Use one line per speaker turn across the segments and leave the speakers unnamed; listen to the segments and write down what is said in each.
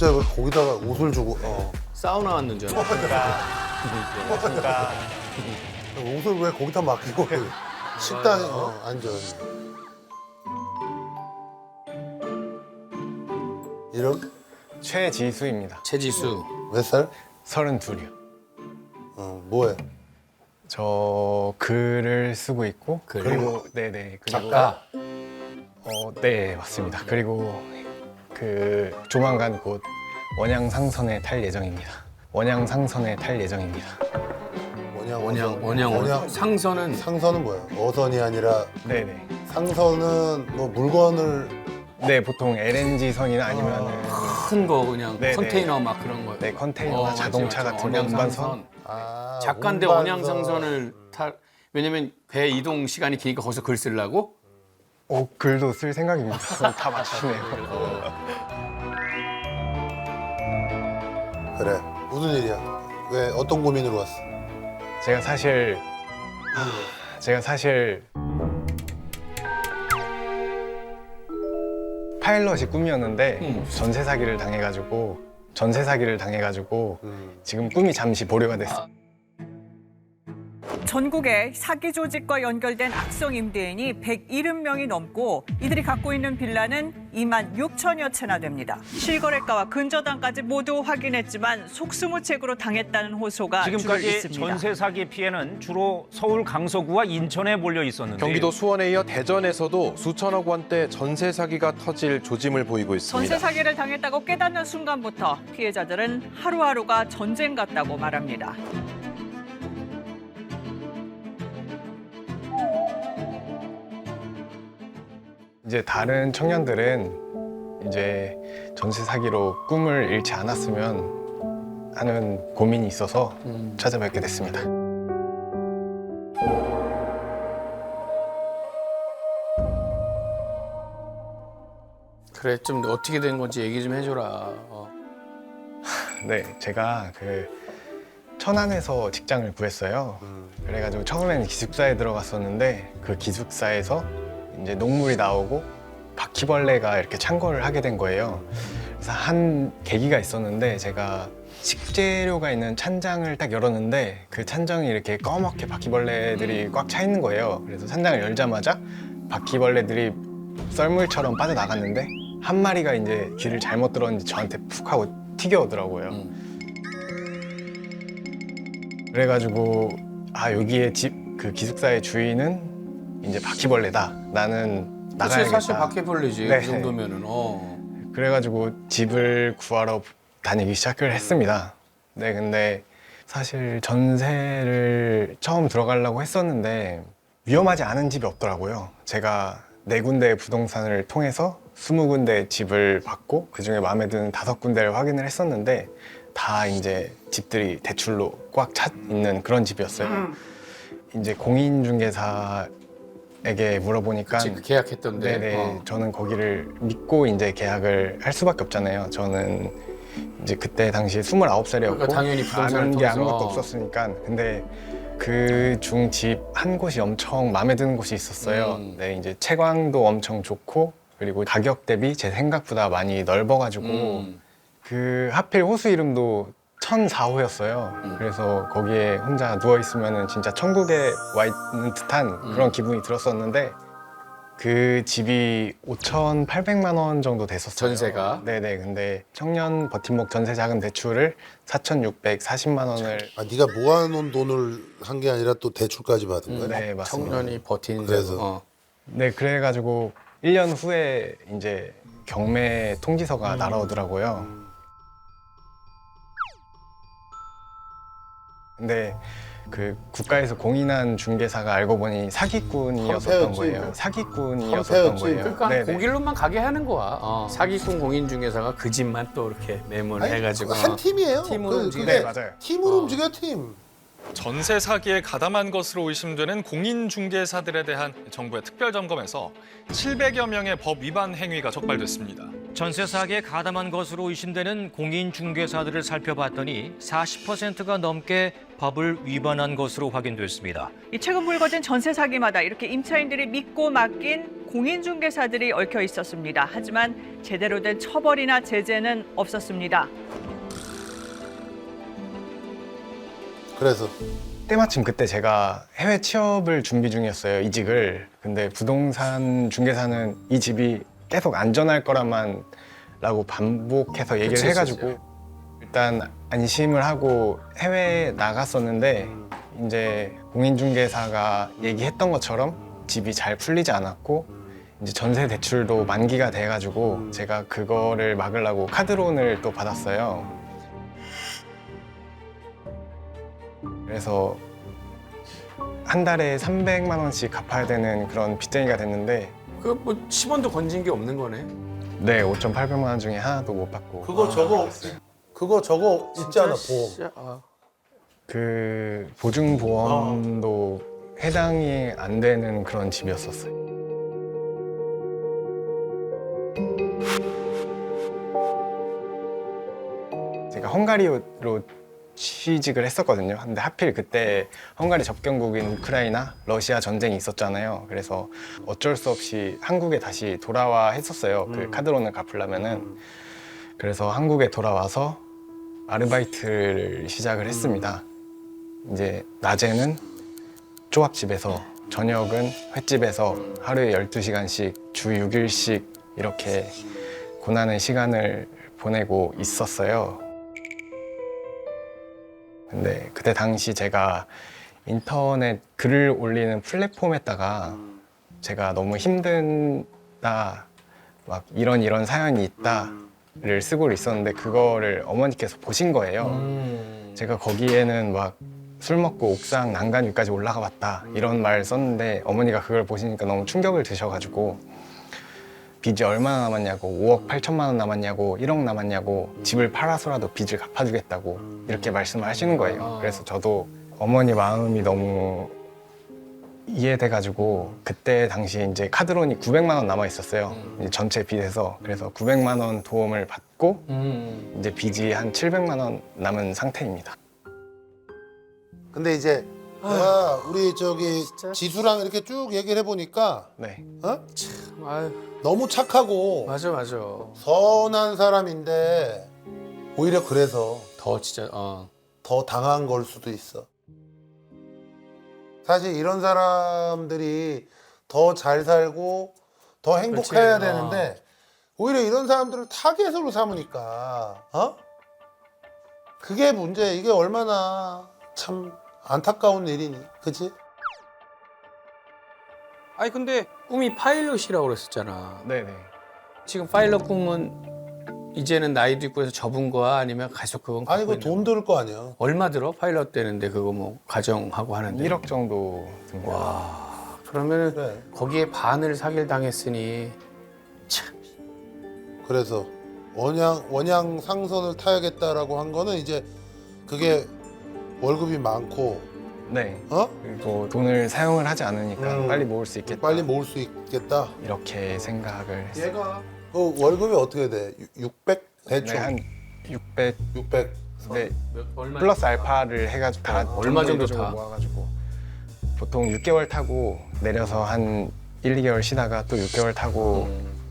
갑자기 왜 거기다가 옷을 주고
사우나 왔는 줄 알았어.
그러니까
옷을 왜 거기다 맡기고 식당에 앉아. 이름?
최지수입니다.
최지수.
몇 살?
32이요.
뭐해?
저 글을 쓰고 있고
글?
그리고 네네 그리고
작가?
네 맞습니다. 그리고 그 조만간 곧 원양상선에 탈 예정입니다. 원양상선에 탈 예정입니다.
원양. 상선은
상선은 뭐야? 어선이 아니라
네네.
상선은 뭐 물건을
네 보통 LNG 선이나 아니면은
큰 거 그냥
네네.
컨테이너 막 그런 거.
네 컨테이너나 자동차 같은 거 운반선.
원양상선. 작가인데
운반선.
원양상선을 탈. 왜냐면 배 이동 시간이 기니까 거기서 글 쓰려고.
글도 쓸 생각입니다. 다 맞추네요.
그래. 무슨 일이야? 왜 어떤 고민으로 왔어?
제가 사실 파일럿이 꿈이었는데 전세 사기를 당해가지고 지금 꿈이 잠시 보류가 됐어요.
전국에 사기 조직과 연결된 악성 임대인이 170명이 넘고 이들이 갖고 있는 빌라는 2만 6천여 채나 됩니다. 실거래가와 근저당까지 모두 확인했지만 속수무책으로 당했다는 호소가 줄을
지금까지
잇습니다.
전세 사기 피해는 주로 서울 강서구와 인천에 몰려 있었는데
경기도 수원에 이어 대전에서도 수천억 원대 전세 사기가 터질 조짐을 보이고 있습니다.
전세 사기를 당했다고 깨닫는 순간부터 피해자들은 하루하루가 전쟁 같다고 말합니다.
이제 다른 청년들은 이제 전세 사기로 꿈을 잃지 않았으면 하는 고민이 있어서 찾아뵙게 됐습니다.
그래 좀 어떻게 된 건지 얘기 좀 해줘라.
네, 제가 그 천안에서 직장을 구했어요. 그래가지고 처음에는 기숙사에 들어갔었는데 그 기숙사에서 이제 녹물이 나오고 바퀴벌레가 이렇게 창궐을 하게 된 거예요. 그래서 한 계기가 있었는데 제가 식재료가 있는 찬장을 딱 열었는데 그 찬장이 이렇게 꺼멓게 바퀴벌레들이 꽉 차 있는 거예요. 그래서 찬장을 열자마자 바퀴벌레들이 썰물처럼 빠져나갔는데 한 마리가 이제 길을 잘못 들었는지 저한테 푹 하고 튀겨오더라고요. 그래가지고 여기에 그 기숙사의 주인은 이제 바퀴벌레다. 나는 나가야겠다.
사실 바퀴벌레지.
네.
그 정도면은.
그래가지고 집을 구하러 다니기 시작을 했습니다. 네, 근데 사실 전세를 처음 들어가려고 했었는데 위험하지 않은 집이 없더라고요. 제가 4군데의 부동산을 통해서 20군데 집을 받고 그중에 마음에 드는 5군데를 확인을 했었는데 다 이제 집들이 대출로 꽉 차 있는 그런 집이었어요. 이제 공인중개사에게 물어보니까
그치, 계약했던데.
네네 저는 거기를 믿고 이제 계약을 할 수밖에 없잖아요. 저는 이제 그때 당시 29살이었고
그러니까 당연히 부동산을
아는 게
통해서.
아무것도 없었으니까. 근데 그 중 집 한 곳이 엄청 마음에 드는 곳이 있었어요. 네, 이제 채광도 엄청 좋고 그리고 가격 대비 제 생각보다 많이 넓어가지고 그 하필 호수 이름도 1004호였어요. 그래서 거기에 혼자 누워 있으면은 진짜 천국에 와 있는 듯한 그런 기분이 들었었는데 그 집이 5,800만 원 정도 됐었어요.
전세가?
네네. 근데 청년 버팀목 전세 자금 대출을 4,640만 원을
네가 모아놓은 돈을 한 게 아니라 또 대출까지 받은 거야?
네 맞습니다.
청년이 버틴
그래서.
네 그래가지고 1년 후에 이제 경매 통지서가 날아오더라고요. 근데 그 국가에서 공인한 중개사가 알고 보니 사기꾼이었었던
황폐였지.
거예요. 사기꾼이었었던
황폐였지.
거예요.
그러니까
네네.
고길로만 가게 하는 거야. 사기꾼 공인중개사가 그 집만 또 이렇게 매문해가지고
한 팀이에요.
팀으로 움직이는.
그게
네, 맞아요.
팀으로 움직여 팀.
전세 사기에 가담한 것으로 의심되는 공인중개사들에 대한 정부의 특별점검에서 700여 명의 법 위반 행위가 적발됐습니다.
전세 사기에 가담한 것으로 의심되는 공인중개사들을 살펴봤더니 40%가 넘게 법을 위반한 것으로 확인됐습니다.
이 최근 불거진 전세 사기마다 이렇게 임차인들이 믿고 맡긴 공인중개사들이 얽혀 있었습니다. 하지만 제대로 된 처벌이나 제재는 없었습니다.
그래서
때마침 그때 제가 해외 취업을 준비 중이었어요, 이직을. 근데 부동산 중개사는 이 집이 계속 안전할 거라만 라고 반복해서 얘기를
그치,
해가지고 일단 안심을 하고 해외에 나갔었는데 이제 공인중개사가 얘기했던 것처럼 집이 잘 풀리지 않았고 이제 전세 대출도 만기가 돼가지고 제가 그거를 막으려고 카드론을 또 받았어요. 그래서 한 달에 300만 원씩 갚아야 되는 그런 빚쟁이가 됐는데
그 뭐 10원도 건진 게 없는 거네.
네, 5,800만 원 중에 하나도 못 받고
그거 저거 있잖아 보험.
진짜,
그 보증보험도 해당이 안 되는 그런 집이었었어요. 제가 헝가리로 취직을 했었거든요. 근데 하필 그때 헝가리 접경국인 우크라이나, 러시아 전쟁이 있었잖아요. 그래서 어쩔 수 없이 한국에 다시 돌아와 했었어요. 그 카드론을 갚으려면은. 그래서 한국에 돌아와서 아르바이트를 시작을 했습니다. 이제 낮에는 조합집에서, 저녁은 횟집에서 하루에 12시간씩 주 6일씩 이렇게 고난의 시간을 보내고 있었어요. 근데 그때 당시 제가 인터넷 글을 올리는 플랫폼에다가 제가 너무 힘든다, 막 이런 사연이 있다를 쓰고 있었는데 그거를 어머니께서 보신 거예요. 제가 거기에는 막 술 먹고 옥상 난간 위까지 올라가 봤다 이런 말 썼는데 어머니가 그걸 보시니까 너무 충격을 드셔가지고 빚이 얼마나 남았냐고, 5억 8천만 원 남았냐고, 1억 남았냐고, 집을 팔아서라도 빚을 갚아주겠다고 이렇게 말씀을 하시는 거예요. 그래서 저도 어머니 마음이 너무 이해돼가지고 그때 당시 이제 카드론이 900만 원 남아 있었어요. 이제 전체 빚에서. 그래서 900만 원 도움을 받고 이제 빚이 한 700만 원 남은 상태입니다.
근데 이제 내가 우리 저기 지수랑 이렇게 쭉 얘기를 해보니까
네.
아유,
너무 착하고
맞아.
선한 사람인데 오히려 그래서
더 진짜,
더 당한 걸 수도 있어. 사실 이런 사람들이 더 잘 살고 더 행복해야
그렇지.
되는데 오히려 이런 사람들을 타겟으로 삼으니까 그게 문제. 이게 얼마나 참 안타까운 일이니, 그치?
아니 근데 꿈이 파일럿이라고 그랬었잖아.
네네.
지금 파일럿 꿈은 이제는 나이도 있고 해서 접은 거야? 아니면 계속 그건
아니
갖고
그
있는
돈 들을 거 아니야.
얼마 들어? 파일럿 되는데 그거 뭐 가정하고 하는데.
1억 정도 듭니다.
와, 그러면은
그래.
거기에 반을 사기를 당했으니 참.
그래서 원양 상선을 타야겠다라고 한 거는 이제 그게 월급이 많고
네.
어?
그리고 돈을 사용을 하지 않으니까 빨리 모을 수 있겠다.
빨리 모을 수 있겠다.
이렇게 생각을 했어요.
얘가 월급이 어떻게 돼? 600 대충
네, 한 600.
600.
네.
얼마
플러스 알파를 해가지고 다
얼마 정도
전부
타?
모아가지고 보통 6개월 타고 내려서 한 1, 2개월 쉬다가 또 6개월 타고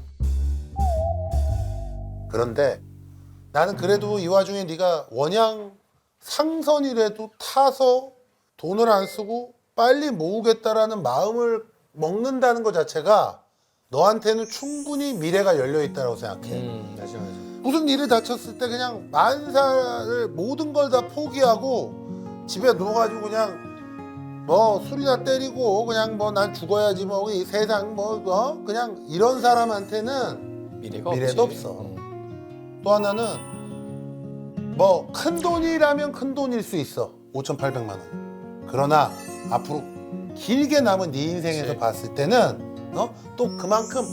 그런데 나는 그래도 이 와중에 네가 원양 상선이라도 타서 돈을 안 쓰고 빨리 모으겠다라는 마음을 먹는다는 것 자체가 너한테는 충분히 미래가 열려 있다고 생각해.
맞아.
무슨 일을 다쳤을 때 그냥 만사를 모든 걸 다 포기하고 집에 누워가지고 그냥 뭐 술이나 때리고 그냥 뭐 난 죽어야지 뭐 이 세상 뭐 그냥 이런 사람한테는
미래가
미래도
없지.
없어. 또 하나는 뭐 큰 돈이라면 큰 돈일 수 있어. 5,800만 원. 그러나 앞으로 길게 남은 네 인생에서
그치.
봤을 때는 또 그만큼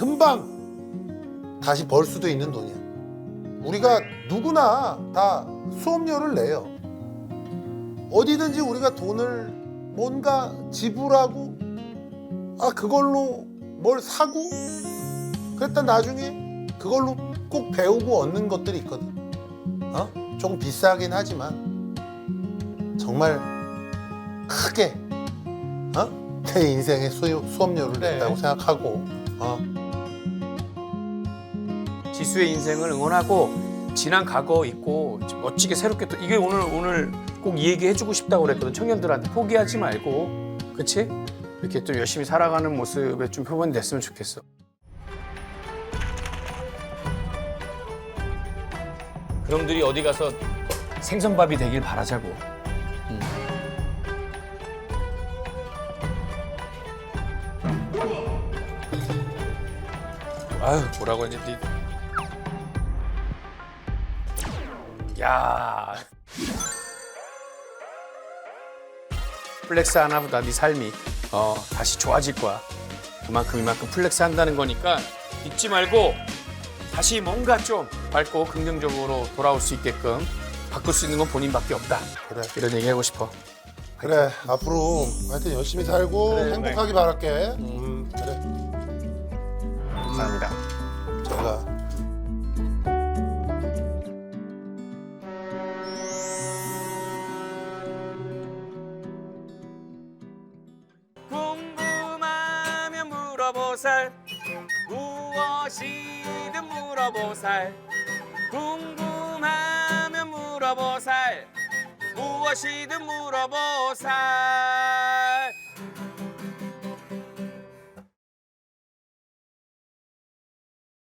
금방 다시 벌 수도 있는 돈이야. 우리가 누구나 다 수업료를 내요. 어디든지 우리가 돈을 뭔가 지불하고 그걸로 뭘 사고 그랬다 나중에 그걸로 꼭 배우고 얻는 것들이 있거든. 조금 비싸긴 하지만 정말 크게 내 인생의 수업료를
네.
냈다고 생각하고
지수의 인생을 응원하고 지난 과거 있고 멋지게 새롭게 또 이게 오늘 꼭 이 얘기 해주고 싶다고 그랬거든. 청년들한테 포기하지 말고, 그렇지? 이렇게 또 열심히 살아가는 모습에 좀 표본이 됐으면 좋겠어. 그놈들이 어디 가서 생선밥이 되길 바라자고. 아유, 뭐라고 하지? 야. 플렉스 하나보다 네 삶이 다시 좋아질 거야. 그만큼 이만큼 플렉스 한다는 거니까 잊지 말고 다시 뭔가 좀 밝고 긍정적으로 돌아올 수 있게끔 바꿀 수 있는 건 본인밖에 없다.
그래.
이런 얘기 하고 싶어.
그래 앞으로 하여튼 열심히 살고
그래,
행복하기 바랄게. 그래
감사합니다.
제가
궁금하면 물어보살 무엇이든 물어보살 궁금하면 물어보살 무엇이든 물어보살